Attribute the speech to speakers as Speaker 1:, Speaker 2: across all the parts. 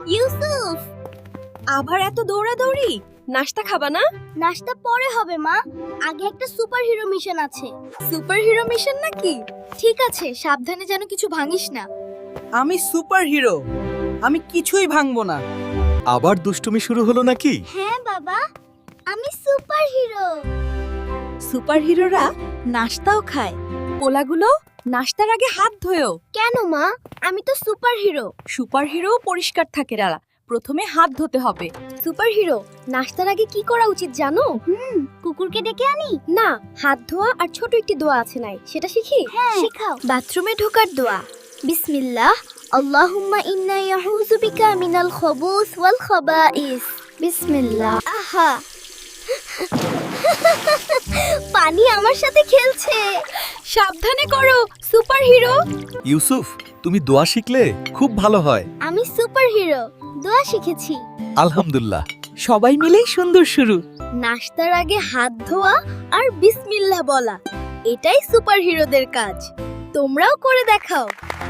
Speaker 1: ইউসুফ,
Speaker 2: আবার এত দৌড়াদৌড়ি? নাস্তা খাবা না?
Speaker 1: নাস্তা পরে হবে মা, আগে একটা সুপারহিরো মিশন আছে।
Speaker 2: সুপারহিরো মিশন নাকি? ঠিক আছে, সাবধানে যেন কিছু ভাঙিস না।
Speaker 3: আমি সুপারহিরো, আমি কিছুই ভাঙবো না।
Speaker 4: আবার দুষ্টুমি শুরু হলো নাকি?
Speaker 1: হ্যাঁ বাবা, আমি সুপারহিরো।
Speaker 2: সুপারহিরোরা নাস্তাও খায়। পোলাগুলো নাস্তার আগে হাত ধোয়ো।
Speaker 1: কেন মা? আমি তো সুপারহিরো।
Speaker 2: সুপারহিরো পরিষ্কার থাকে রালা, প্রথমে হাত ধুতে হবে।
Speaker 1: সুপারহিরো নাস্তার আগে কি করা উচিত জানো? কুকুরকে ডেকে আনি? না, হাত ধোয়া আর ছোট একটি দোয়া আছে নাই, সেটা শিখি? শেখাও। বাথরুমে ঢোকার দোয়া। বিসমিল্লাহ, আল্লাহুম্মা ইন্না ইয়াউযু বিকা মিনাল খুবুস ওয়াল খাবাইস। বিসমিল্লাহ। আহা, পানি আমার সাথে খেলছে।
Speaker 2: সাবধানে করো সুপারহিরো।
Speaker 4: ইউসুফ, তুমি দোয়া শিখলে খুব ভালো হয়।
Speaker 1: আমি সুপারহিরো, দোয়া শিখেছি।
Speaker 4: আলহামদুলিল্লাহ।
Speaker 2: সবাই মিলেই সুন্দর শুরু।
Speaker 1: নাস্তার আগে হাত ধোয়া আর বিসমিল্লাহ বলা, এটাই সুপারহিরোদের কাজ। তোমরাও করে দেখাও।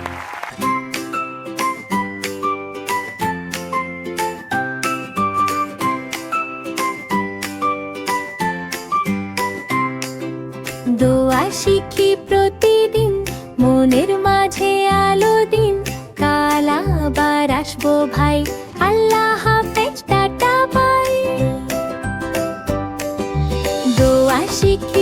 Speaker 5: দোয়া শিখি প্রতিদিন, মনের মাঝে আলো দিন। কাল আবার আসবো ভাই, আল্লাহ হাফেজ, টাটা বাই। দোয়া শিখি